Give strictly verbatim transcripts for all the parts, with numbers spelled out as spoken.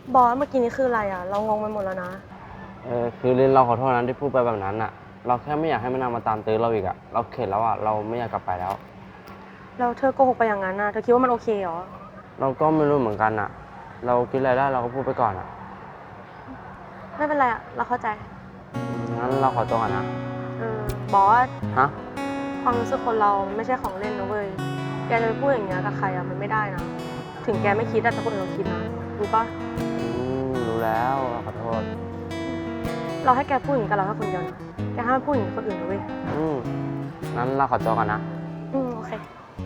บอสเมื่อกี้นี้คืออะไรอ่ะเรางงไปหมดแล้วนะเออคือลินเราขอโทษนะที่พูดไปแบบนั้นอ่ะเราแค่ไม่อยากให้มันนำมาตามตื้อเราอีกอ่ะเราเข็ดแล้วอ่ะเราไม่อยากกลับไปแล้วแล้วเธอโกหกไปอย่างนั้นนะเธอคิดว่ามันโอเคเหรอเราก็ไม่รู้เหมือนกันอ่ะเราคิดอะไรได้เราก็พูดไปก่อนอ่ะไม่เป็นไรอ่ะเราเข้าใจงั้นเราขอตัวก่อนนะเออบอสฮะความรู้สึกคนเราไม่ใช่ของเล่นนะเว้ยแกจะไปพูดอย่างเงี้ยกับใครอ่ะมันไม่ได้นะถึงแกไม่คิดแต่คนอื่นเราคิดนะรู้ปะอืมรู้แล้วขอโทษเราให้แกพูดอย่างนี้กับเราแค่คนเดียวนะแกห้ามพูดอย่างนี้กับคนอื่นนะเว้ยอืมงั้นเราขอตัวก่อนนะอืมโอเค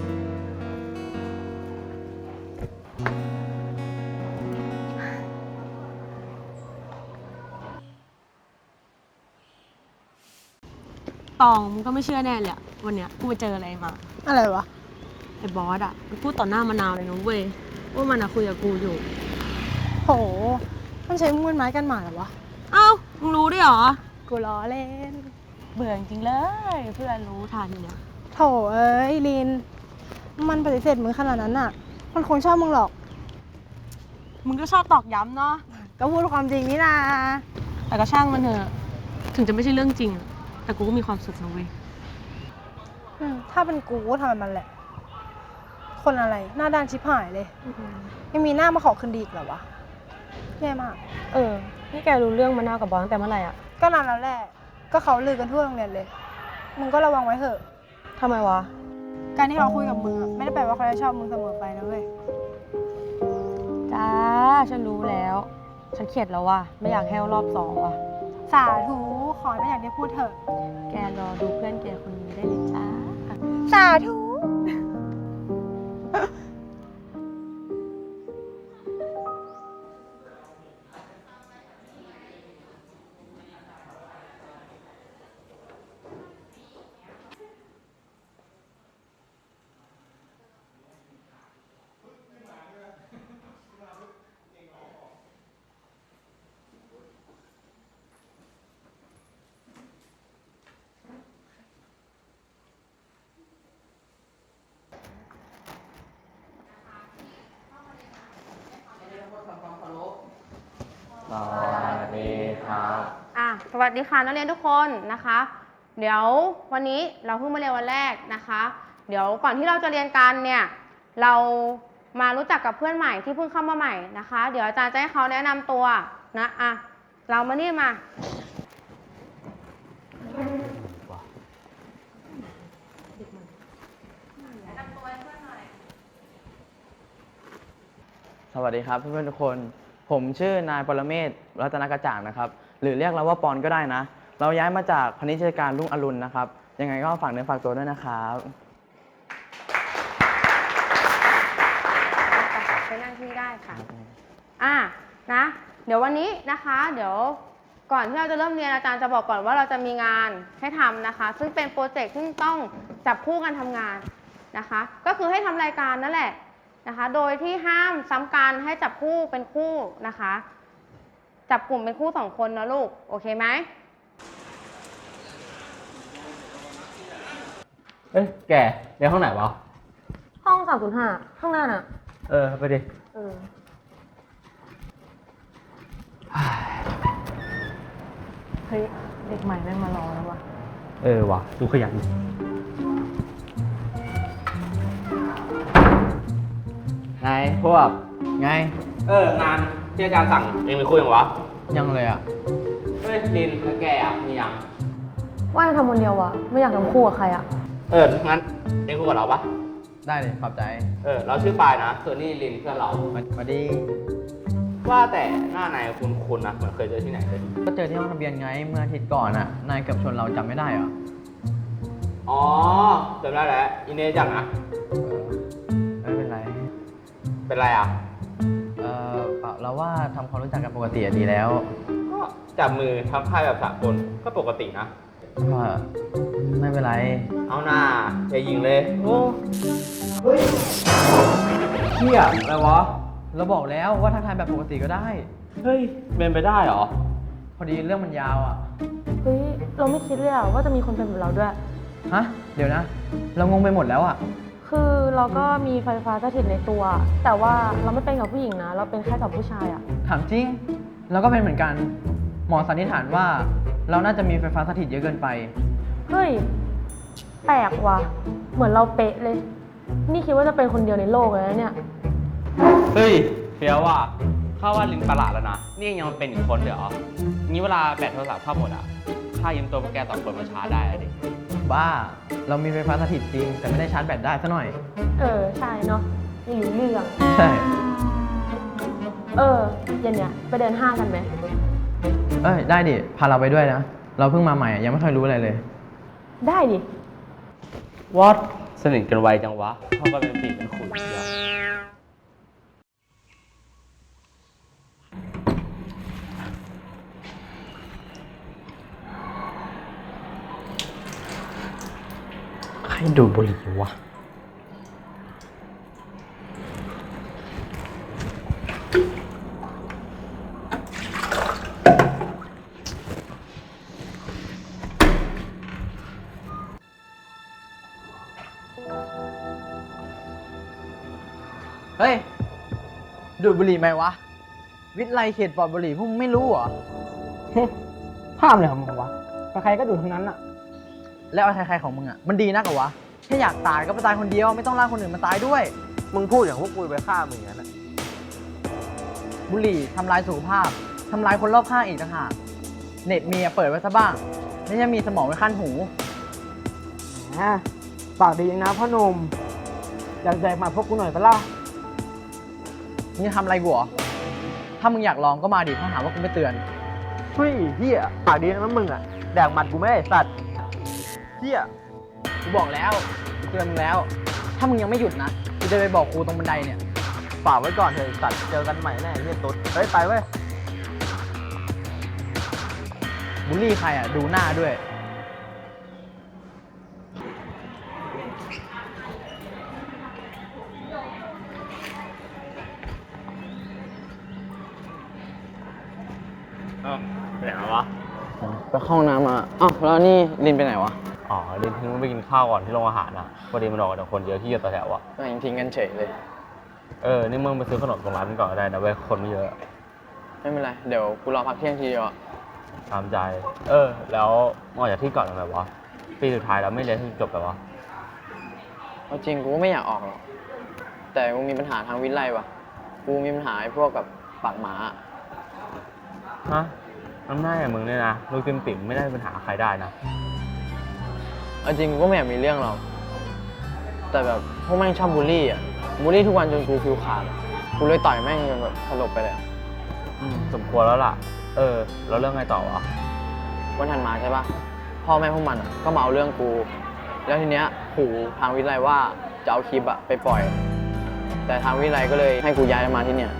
ตองมึงก็ไม่เชื่อแน่เลยอะวันเนี้ยกูไปเจออะไรมาอะไรวะไอ้บอสอะมันพูดต่อหน้ามะนาวเลยนะเว้ยว่ามันอะคุยกับกูอยู่โหมันใช้มือไม้กันหมาเหรอวะเอ้ามึงรู้ด้วยเหรอกูล้อเล่นเบื่อจริงเลยเพื่อนรู้ทันเนี่ยโถเอ้ยลินมันปฏิเสธมึงขนาดนั้นน่ะมันคงชอบมึงหรอกมึงก็ชอบตอกย้ำเนาะก็พูดความจริงนี่นาแต่ก็ช่างมันเถอะถึงจะไม่ใช่เรื่องจริงแต่กูก็มีความสุขนะเว้ยถ้าเป็นกูก็ทำแบบมันแหละคนอะไรหน้าด้านชิบหายเลยยังมีหน้ามาขอคืนดีอีกเหรอวะแย่มากเออนี่แกรู้เรื่องมะนาวกับบอสตั้งแต่เมื่อไหร่อ่ะก็นานแล้วแหละก็เขาลือกันทั่วโรงเรียนเลยมึงก็ระวังไว้เถอะทำไมวะการที่เขาคุยกับมึงไม่ได้แปลว่าเขาจะชอบมึงเสมอไปนะเว้ยจ้าฉันรู้แล้วฉันเข็ดแล้วว่ะไม่อยากแห้วรอบสองว่ะสาธุขอไม่อยากได้พูดเถอะแกรอดูเพื่อนแกคนนี้ได้เลยจ้าสาธุสวัสดีครับอ่ะสวัสดีค่ะนักเรียนทุกคนนะคะเดี๋ยววันนี้เราเพิ่งมาเรียนวันแรกนะคะเดี๋ยวก่อนที่เราจะเรียนกันเนี่ยเรามารู้จักกับเพื่อนใหม่ที่เพิ่งเข้ามาใหม่นะคะเดี๋ยวอาจารย์จะให้เขาแนะนำตัวนะอ่ะเรามานี่มาแนะนำตัวให้เพื่อนหน่อยสวัสดีครับเพื่อนๆทุกคนผมชื่อนายปรเมศ รัตนกระจ่างนะครับหรือเรียกเราว่าปอนก็ได้นะเราย้ายมาจากพนิชยการรุ่งอรุณนะครับยังไงก็ฝากเนื้อฝากตัวด้วยนะครับไปนั่งที่ได้ค่ะอ่ะนะเดี๋ยววันนี้นะคะเดี๋ยวก่อนที่เราจะเริ่มเรียนอาจารย์จะบอกก่อนว่าเราจะมีงานให้ทำนะคะซึ่งเป็นโปรเจกต์ที่ต้องจับคู่กันทำงานนะคะก็คือให้ทำรายการนั่นแหละนะคะโดยที่ห้ามซ้ำกันให้จับคู่เป็นคู่นะคะจับกลุ่มเป็นคู่สองคนนะลูกโอเคไหมเอ้ยแกเรียนห้องไหนวะห้องสามศูนย์ห้าข้างหน้าน่ะเออไปดิเออเฮ้ยเด็กใหม่แม่งมารอแล้ววะเออวะดูขยันไงพวกไงเอองานที่อาจารย์สั่งเองไปคุยยังวะยังเลยอ่ะเฮ้ยลินแล้วแกอ่ะมียังว่าจะทำคนเดียววะไม่อยากทำคู่กับใครอ่ะเอองั้นเองคุยกับเราปะได้เลยขอบใจเออเราชื่อปายนะส่วนนี่ลินเพื่อนเรามาดีว่าแต่หน้านายคุณคุณนะเหมือนเคยเจอที่ไหนเลยก็เจอที่ห้องทะเบียนไงเมื่ออาทิตย์ก่อนอ่ะนายเกือบชนเราจำไม่ได้เหรออ๋อจำได้แล้วอินเนจังนะไม่เป็นไรเป็นไรอ่ะเออเปล่าเราว่าทำความรู้จักกันปกติดีแล้วก็จับมือทำค่ายแบบสากลก็ปกตินะก็ไม่เป็นไรเอาหน้าอย่ายิงเลยโอ้เฮ้ยเฮียอะไรวะเราบอกแล้วว่าทักทายแบบปกติก็ได้เฮ้ยเป็นไปได้เหรอพอดีเรื่องมันยาวอ่ะเฮ้ยเราไม่คิดเลยอ่ะว่าจะมีคนเป็นแบบเราด้วยฮะเดี๋ยวนะเรางงไปหมดแล้วอ่ะคือเราก็มีไฟฟ้าสถิตในตัว แต่ว่าเราไม่เป็นกับผู้หญิงนะ เราเป็นแค่กับผู้ชายอะถามจริง เราก็เป็นเหมือนกัน หมอสันนิษฐานว่าเราน่าจะมีไฟฟ้าสถิตเยอะเกินไปเฮ้ย แปลกว่ะ เหมือนเราเป๊ะเลย นี่คิดว่าจะเป็นคนเดียวในโลกเลยนะเนี่ยเฮ้ยเฟี้ยวว่ะข้าว่าลินประหลาดแล้วนะ นี่ยังมาเป็นอีกคนเดี๋ยวงี้เวลาแบตโทรศัพท์เข้าหมดอ่ะข้ายืมตัวพวกแกสองคนมาชาร์จได้อะดิบ้า เรามีไฟฟ้าสถิตจริง แต่ไม่ได้ชาร์จแบตได้ซะหน่อยเออ ใช่เนาะไม่รู้เรื่องใช่เออเย็นเนี้ยไปเดินห้างกันไหมเอ้ย ได้ดิ พาเราไปด้วยนะ เราเพิ่งมาใหม่อะยังไม่เคยรู้อะไรเลยได้ดิวอตสนิทกันไวจังวะเข้ากันเป็นปีเป็นขุยเดียวใครดูดบุหรี่วะเฮ้ย ดูดบุหรี่ไหมวะ วิทย์ไลเขตปลอดบุหรี่พวกมึงไม่รู้เหรอภาพเลยของมึงวะใครๆก็ดูทั้งนั้นอะแล้วไอ้ใครๆของมึงอ่ะ มันดีนักเหรอวะ แค่อยากตายก็ไปตายคนเดียว ไม่ต้องลากคนอื่นมาตายด้วยมึงพูดอย่างพวกกูไปฆ่ามึงอย่างนั้นอะบุหรี่ทำลายสุขภาพ ทำลายคนรอบข้างอีกต่างหาก เน็ตมีอะเปิดไว้ซะบ้าง ไม่ใช่มีสมองไว้ขั้นหูแหมปากดีอย่างนะพ่อหนุ่ม อยากแจกหมาพวกกูหน่อยปะล่ะมึงจะทำอะไรกูเหรอ ถ้ามึงอยากลองก็มาดิถ้าหาว่ากูไม่เตือนเฮ้ยเฮียปากดีนะมึงอะแดกหมัดกูไม่ได้สัตว์เฮียกูบอกแล้วกูเตือนมึงแล้ว ถ้ามึงยังไม่หยุดนะ กูจะไปบอกครูตรงบันไดเนี่ยฝากไว้ก่อนเถอะสัตว์เจอกันใหม่แน่เฮียตุ๊ดเฮ้ยไปเว้ยบูลลี่ใครอ่ะ ดูหน้าด้วยเอ้าไปไหนวะไปเข้าห้องน้ำมาอ้าวแล้วนี่ลินไปไหนวะอ๋อลินทิ้งไปกินข้าวก่อนที่โรงอาหารอ่ะพอดีมันออกจากคนเยอะที่อยู่ต่อแถวอ่ะไม่ทิ้งกันเฉยเลยเออ นี่มึงไปซื้อขนมตรงร้านมันก่อนก็ได้นะเว้ย คนไม่เยอะไม่เป็นไร เดี๋ยวกูรอพักเที่ยงทีเดียวอะตามใจ เออ แล้วมึงออกจากที่ก่อนทำไมวะ ปีสุดท้ายแล้วไม่เรียนที่จบแบบวะเอาจริงกูก็ไม่อยากออกหรอก แต่กูมีปัญหาทางวิทย์ไล่ว่ะ กูมีปัญหาไอ้พวกกับปากหมาอะฮะน้ำหน้าอย่างมึงเนี่ยนะลูกติ่มติ่มไม่ได้เป็นปัญหาใครได้นะเอาจริงกูก็ไม่อยากมีเรื่องหรอก แต่แบบพวกแม่งชอบบูลลี่อ่ะ บูลลี่ทุกวันจนกูฟิวขาดอะกูเลยต่อยแม่งจนแบบสลบไปเลยอะอืมสมควรแล้วล่ะ เออ แล้วเรื่องไงต่อวะวันถัดมาใช่ปะพ่อแม่พวกมันอะก็มาเอาเรื่องกู แล้วทีเนี้ยขู่ทางวิทย์ไล่ว่าจะเอาคลิปอะไปปล่อย แต่ทางวิทย์ไล่ก็เลยให้กูย้ายมาที่เนี่ย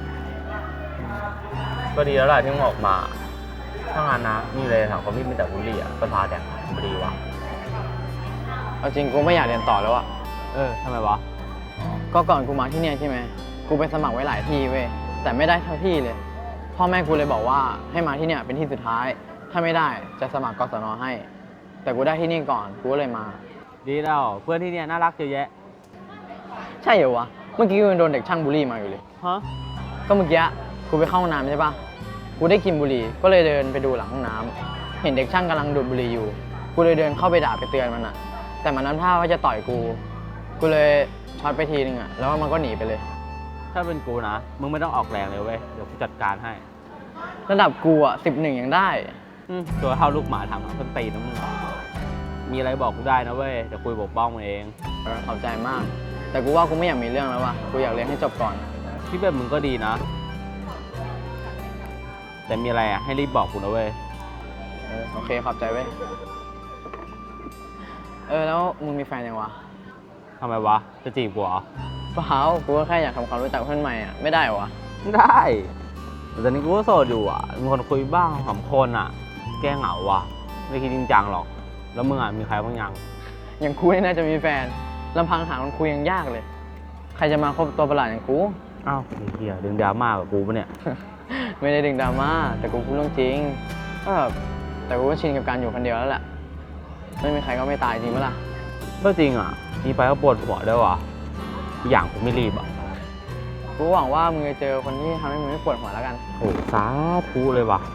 ก็ดีแล้วแหละที่มึงออกมา ถ้างานนะมีเลยถามความที่มีแต่บุลลี่อ่ะประสาทแดงพอดีวะเอาจริงกูไม่อยากเรียนต่อแล้วอะเออทำไมวะก็ก่อนกูมาที่เนี่ยใช่ไหม กูไปสมัครไว้หลายที่เว้ย แต่ไม่ได้เท่าที่เลย พ่อแม่กูเลยบอกว่าให้มาที่เนี่ยเป็นที่สุดท้าย ถ้าไม่ได้จะสมัครกศนให้ แต่กูได้ที่นี่ก่อน กูก็เลยมาดีแล้วเพื่อนที่เนี่ยน่ารักเยอะแยะใช่เหรอวะ เมื่อกี้กูยังโดนเด็กช่างบูลลี่มาอยู่เลยฮะก็เมื่อกี้กูไปเข้าห้องน้ำใช่ปะกูได้กลินบุหรี่ ก็เลยเดินไปดูหลังห้องน้ำ เห็นเด็กช่างกำลังดูดบุหรี่อยู่ กูเลยเดินเข้าไปด่าไปเตือนมันอะแต่มันนั้นท่าว่าจะต่อยกู กูเลยช็อตไปทีนึงอะแล้วมันก็หนีไปเลยถ้าเป็นกูนะ มึงไม่ต้องออกแรงเลยเว้ย เดี๋ยวกูจัดการให้ระดับกูอะสิบหนึ่งยังได้อืมตัวเท่าลูกหมาทำต้นตีนนะมึง มีอะไรบอกกูได้นะเว้ย เดี๋ยวคุยปกป้องมึงเองเออขอบใจมาก แต่กูว่ากูไม่อยากมีเรื่องแล้วว่ะ กูอยากเรียนให้จบก่อนที่แบบมึงก็ดีนะ แต่มีอะไรอ่ะให้รีบบอกกูนะเว้ยเออโอเคขอบใจเว้ย เออแล้วมึงมีแฟนยังวะทำไมวะ จะจีบกูเหรอเปล่ากูก็แค่อยากทำความรู้จักเพื่อนใหม่อะไม่ได้เหรอวะได้แต่ตอนนี้กูก็โสดอยู่อ่ะ มีคนคุยบ้างสามคนอ่ะ แก้เหงาว่ะ ไม่คิดจริงจังหรอก แล้วมึงอ่ะมีใครบ้างยังอย่างกูนี่น่าจะมีแฟนลำพังหาคนคุยยังยากเลย ใครจะมาคบตัวประหลาดอย่างกูอ้าวไอ้เหี้ยดึงดราม่ากับกูปะเนี่ยไม่ได้ดึงดราม่าแต่กูพูดเรื่องจริงก็แบบแต่กูก็ชินกับการอยู่คนเดียวแล้วแหละไม่มีใครก็ไม่ตายจริงปะล่ะก็จริงอ่ะ มีไปก็ปวดหัวด้วยว่ะอีกอย่างผมไม่รีบอ่ะกูหวังว่ามึงจะเจอคนที่ทำให้มึงไม่ปวดหัวแล้วกันโอ้สาธุเลยว่ะ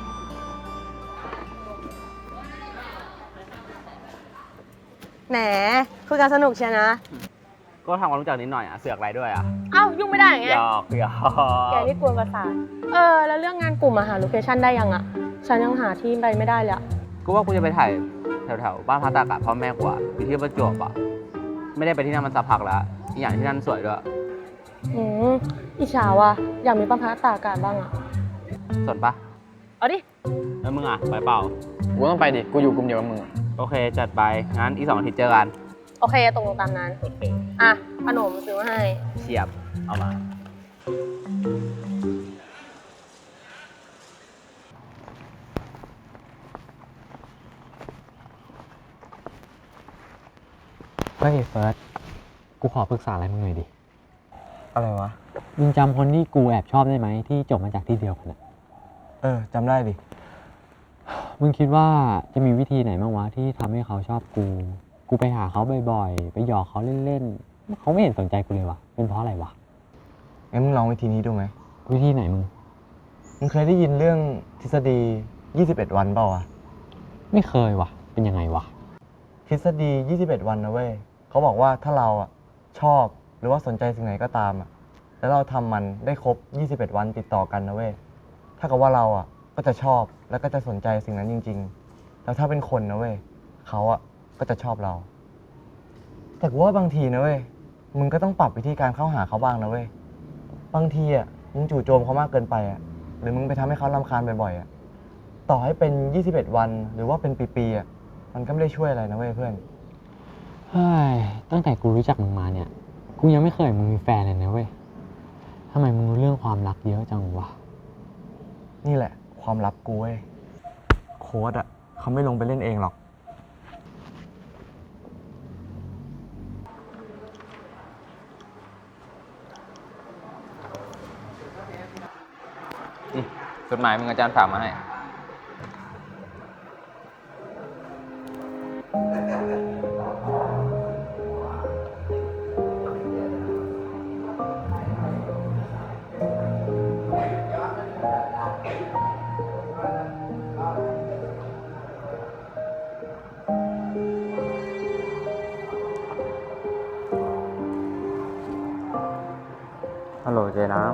แหมคุยกันสนุกเชียวนะก็ทำความรู้จักนิดหน่อยอ่ะ เสือกอะไรด้วยอ่ะเอ้ายุ่งไม่ได้ไงหยอกหยอกแกนี่กวนประสาทเออ แล้วเรื่องงานกลุ่มอะหาโลเคชั่นได้ยังอะฉันยังหาที่ไปไม่ได้เลยอะกูว่ากูจะไปถ่ายแถวๆบ้านพักตากอากาศพ่อแม่กูอ่ะอยู่ที่ประจวบอ่ะ ไม่ได้ไปที่นั่นมันสักพักแล้วอีกอย่างที่นั่นสวยด้วยอืมอิจฉาว่ะอยากมีบ้านพักตากอากาศบ้างอะสนปะเอาดิแล้วมึงอ่ะ ไปเปล่ากูต้องไปดิ กูอยู่กลุ่มเดียวกับมึงโอเค จัดไป งั้นอีกสองอาทิตย์เจอกันโอเคตกลงตามนั้น อ่ะขนมซื้อมาให้เฉียบ เอามาเฮ้ยเฟิร์ส กูขอปรึกษาอะไรมึงหน่อยดิอะไรวะมึงจำคนที่กูแอบชอบได้ไหมที่จบมาจากที่เดียวกันอะเออจำได้ดิมึงคิดว่าจะมีวิธีไหนบ้างวะที่ทำให้เขาชอบกู กูไปหาเขาบ่อยๆ ไปหยอกเขาเล่นๆ เขาไม่เห็นสนใจกูเลยวะเป็นเพราะอะไรวะงั้นมึงลองวิธีนี้ดูไหมวิธีไหนมึงมึงเคยได้ยินเรื่องทฤษฎี ยี่สิบเอ็ด วันเปล่าวะไม่เคยวะเป็นยังไงวะทฤษฎี ยี่สิบเอ็ด วันนะเว้ยเขาบอกว่าถ้าเราอ่ะชอบหรือว่าสนใจสิ่งไหนก็ตามอ่ะแล้วเราทำมันได้ครบ ยี่สิบเอ็ด วันติดต่อกันนะเว้ยถ้ากับว่าเราอ่ะก็จะชอบแล้วก็จะสนใจสิ่งนั้นจริงๆ แล้วถ้าเป็นคนนะเว้ยเขาอ่ะก็จะชอบเรา แต่กูว่าบางทีนะเว้ยมึงก็ต้องปรับวิธีการเข้าหาเขาบ้างนะเว้ยบางทีอ่ะมึงจู่โจมเขามากเกินไปอ่ะหรือมึงไปทำให้เขารำคาญบ่อยๆอ่ะต่อให้เป็น ยี่สิบเอ็ด วันหรือว่าเป็นปีๆอ่ะมันก็ไม่ได้ช่วยอะไรนะเว้ยเพื่อนเฮ้ย ตั้งแต่กูรู้จักมึงมาเนี่ย กูยังไม่เคยเห็นมึงมีแฟนเลยนะเว้ยทำไมมึงรู้เรื่องความรักเยอะจังวะนี่แหละความลับกูเว้ยโค้ดอ่ะเขาไม่ลงไปเล่นเองหรอกจดหมายมึงอาจารย์ฝากมาให้ฮัลโหลเจ๊น้ำ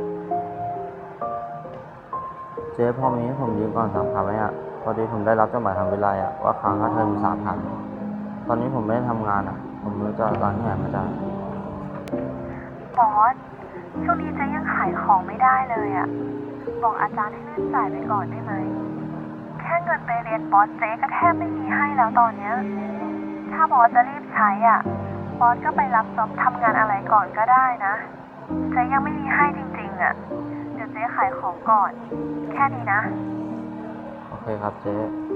เจ๊พอมีให้ผมยืมก่อนสามพันไหมอ่ะ พอดีผมได้รับจดหมายทางวิไลอ่ะว่าค้างค่าเทอมสามพัน ตอนนี้ผมไม่ได้ทำงานอ่ะ ผมไม่รู้จะเอาตังค์ที่ไหนมาจ่ายบอส ช่วงนี้เจ๊ยังขายของไม่ได้เลยอะบอกอาจารย์ให้เลื่อนจ่ายไปก่อนได้ไหม แค่เงินไปเรียนบอสเจ๊ก็แทบไม่มีให้แล้วตอนเนี้ย ถ้าบอสจะรีบใช้อ่ะ บอสก็ไปรับจ็อบทำงานอะไรก่อนก็ได้นะ เจ๊ยังไม่มีให้จริงๆอ่ะ เดี๋ยวเจ๊ขายของก่อน แค่นี้นะโอเคครับเจ๊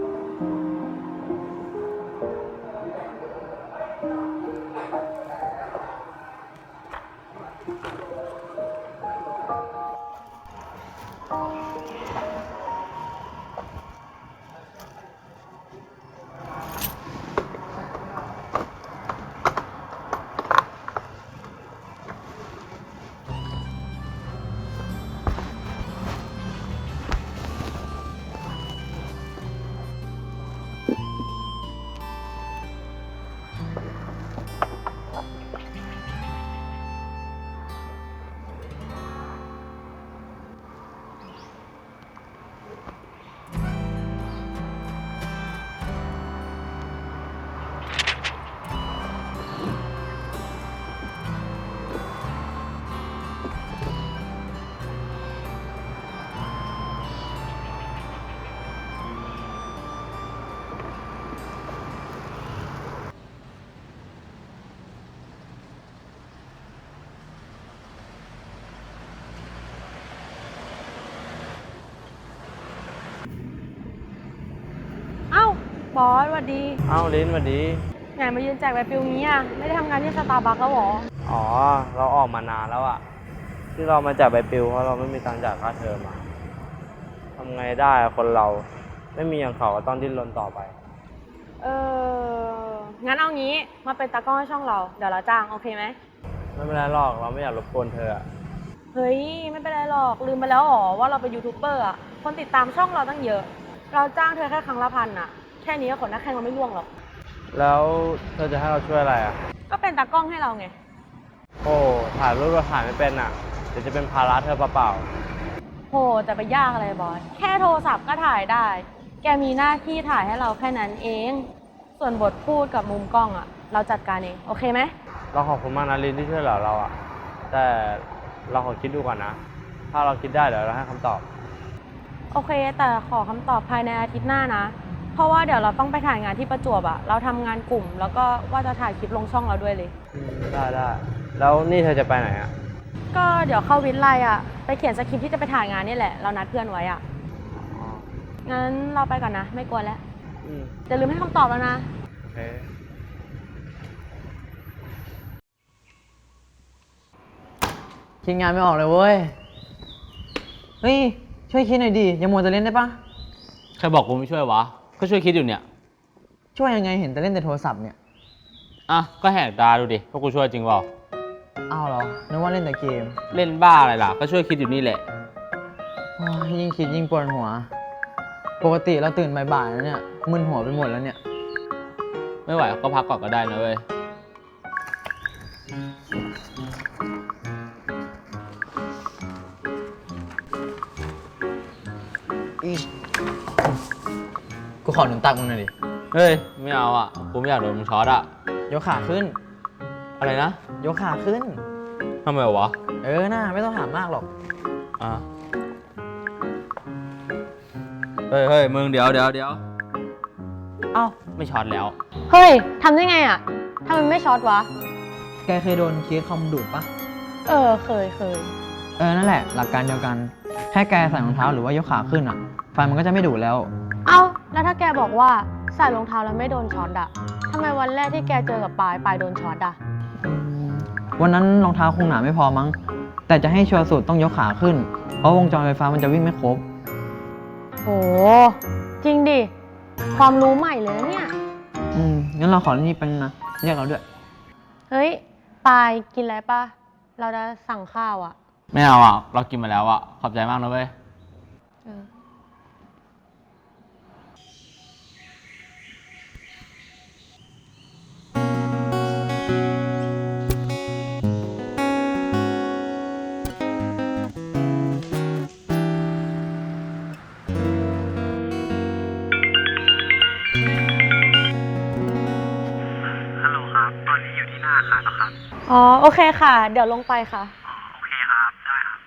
เอ้าบอสสวัสดีเอ้าลิ้นสวัสดีไงมายืนแจกใบปลิวงี้อ่ะไม่ได้ทำงานที่สตาร์บัคแล้วหรออ๋อ เราออกมานานแล้วอ่ะ ที่เรามาจ่ายใบปลิวเพราะเราไม่มีตังค์จ่ายค่าเทอมอ่ะทำไงได้อะคนเราไม่มีอย่างเขาก็ต้องดิ้นรนต่อไปเอองั้นเอางี้มาเป็นตากล้องให้ช่องเรา เดี๋ยวเราจ้างโอเคไหมไม่เป็นไรหรอกเราไม่อยากรบกวนเธออะเฮ้ย ไม่เป็นไรหรอก ลืมไปแล้วหรอว่าเราเป็นยูทูบเบอร์อะคนติดตามช่องเราตั้งเยอะ เราจ้างเธอแค่ครั้งละพันอะแค่นี้ก็ขนหน้าแข้งเราไม่ร่วงหรอกแล้วเธอจะให้เราช่วยอะไรอะก็เป็นตากล้องให้เราไงโอ้ถ่ายรูปเราถ่ายไม่เป็นอะเดี๋ยวจะเป็นภาระเธอเปล่าโหแต่ไปยากอะไรบอส แค่โทรศัพท์ก็ถ่ายได้ แกมีหน้าที่ถ่ายให้เราแค่นั้นเอง ส่วนบทพูดกับมุมกล้องอะเราจัดการเอง โอเคไหมๆเราขอบคุณมากนะลินที่ช่วยเหลือเราอะแต่เราขอคิดดูก่อนนะ ถ้าเราคิดได้เดี๋ยวเราให้คำตอบโอเค แต่ขอคำตอบภายในอาทิตย์หน้านะ เพราะว่าเดี๋ยวเราต้องไปถ่ายงานที่ประจวบอะเราทำงานกลุ่ม แล้วก็ว่าจะถ่ายคลิปลงช่องเราด้วยเลยอืมได้ได้แล้วนี่เธอจะไปไหนอะก็เดี๋ยวเข้าวิทย์ไลอะไปเขียนสคริปต์ที่จะไปถ่ายงานนี่แหละ เรานัดเพื่อนไว้อะอ๋องั้นเราไปก่อนนะ ไม่กลัวแล้วอืมอย่าลืมให้คำตอบแล้วนะโอเคคิดงานไม่ออกเลยเว้ย เฮ้ย ช่วยคิดหน่อยดิ อย่ามัวแต่เล่นได้ปะใครบอกกูไม่ช่วยวะ ก็ช่วยคิดอยู่เนี่ยช่วยยังไงเห็นแต่เล่นแต่โทรศัพท์เนี่ยอ่ะ ก็แหกตาดูดิว่ากูช่วยจริงเปล่าอ้าวเหรอ นึกว่าเล่นแต่เกมเล่นบ้าอะไรล่ะ ก็ช่วยคิดอยู่นี่แหละโอ้ยยิ่งคิดยิ่งปวดหัว ปกติเราตื่นบ่ายๆแล้วเนี่ย มึนหัวไปหมดแล้วเนี่ยไม่ไหวก็พักก่อนก็ได้นะเว้ยกูขอหนุนตักมึงหน่อยดิเฮ้ย ไม่เอาอ่ะ กูไม่อยากโดนมึงช็อตอ่ะยกขาขึ้นอะไรนะยกขาขึ้นทำไมวะเออน่าไม่ต้องถามมากหรอกอ่ะ เฮ้ยเฮ้ยมึงเดี๋ยวเดี๋ยวเดี๋ยวเอ้า ไม่ช็อตแล้วเฮ้ยทำได้ไงอะทำไมไม่ช็อตวะแกเคยโดนเคสคอมดูดปะเออ เคยเคยเออ นั่นแหละ หลักการเดียวกัน แค่แกใส่รองเท้าหรือว่ายกขาขึ้นอ่ะ ไฟมันก็จะไม่ดูดแล้วเอ้า แล้วถ้าแกบอกว่าใส่รองเท้าแล้วไม่โดนช็อตอะทำไมวันแรกที่แกเจอกับปายปายโดนช็อตอะวันนั้นรองเท้าคงหนาไม่พอมั้ง แต่จะให้ชัวร์สุดต้องยกขาขึ้น เพราะวงจรไฟฟ้ามันจะวิ่งไม่ครบโห จริงดิ ความรู้ใหม่เลยนะเนี่ยอืม งั้นเราขอเล่นนี่แป๊บนึงนะ เรียกเราด้วยเฮ้ย ปายกินอะไรปะเราจะสั่งข้าวอะไม่เอาอ่ะ เรากินมาแล้วอ่ะ ขอบใจมากนะเว้ยเออฮัลโหลครับ ตอนนี้อยู่ที่หน้าอาคารแล้วครับอ๋อ โอเคค่ะ เดี๋ยวลงไปค่ะอ๋อ โอเคครับ ได้ครับ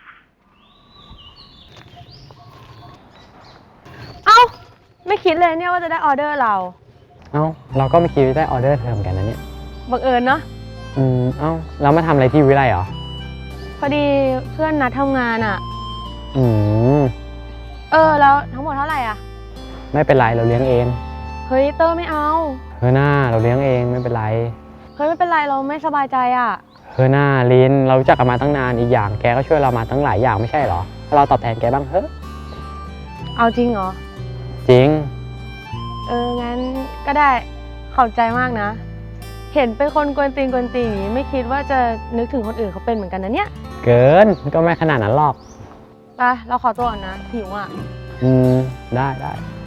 เอ้า ไม่คิดเลยเนี่ยว่าจะได้ออเดอร์เราเอ้า เราก็ไม่คิดว่าได้ออเดอร์เธอเหมือนกันนะเนี่ยบังเอิญเนาะอืม เอ้า เรามาทำอะไรที่วิไลเหรอพอดีเพื่อนนัดทำงานอะอืมเออ แล้วทั้งหมดเท่าไหร่อะไม่เป็นไร เราเลี้ยงเองเฮ้ย เตอร์ไม่เอาเฮ้ยหน้าเราเลี้ยงเองไม่เป็นไรเฮ้ย ไม่เป็นไร เราไม่สบายใจอะเฮ้ยหน้าลิน เรารู้จักกันมาตั้งนาน อีกอย่างแกก็ช่วยเรามาตั้งหลายอย่างไม่ใช่เหรอให้เราตอบแทนแกบ้างเฮ้ยเอาจริงเหรอจริงเออ งั้นก็ได้ ขอบใจมากนะ เห็นเป็นคนกวนตีนกวนตีนอย่างนี้ไม่คิดว่าจะนึกถึงคนอื่นเขาเป็นเหมือนกันนะเนี่ยเกิน ก็ไม่ขนาดนั้นหรอกไป เราขอตัวก่อนนะหิวอ่ะอืม ได้ได้ไ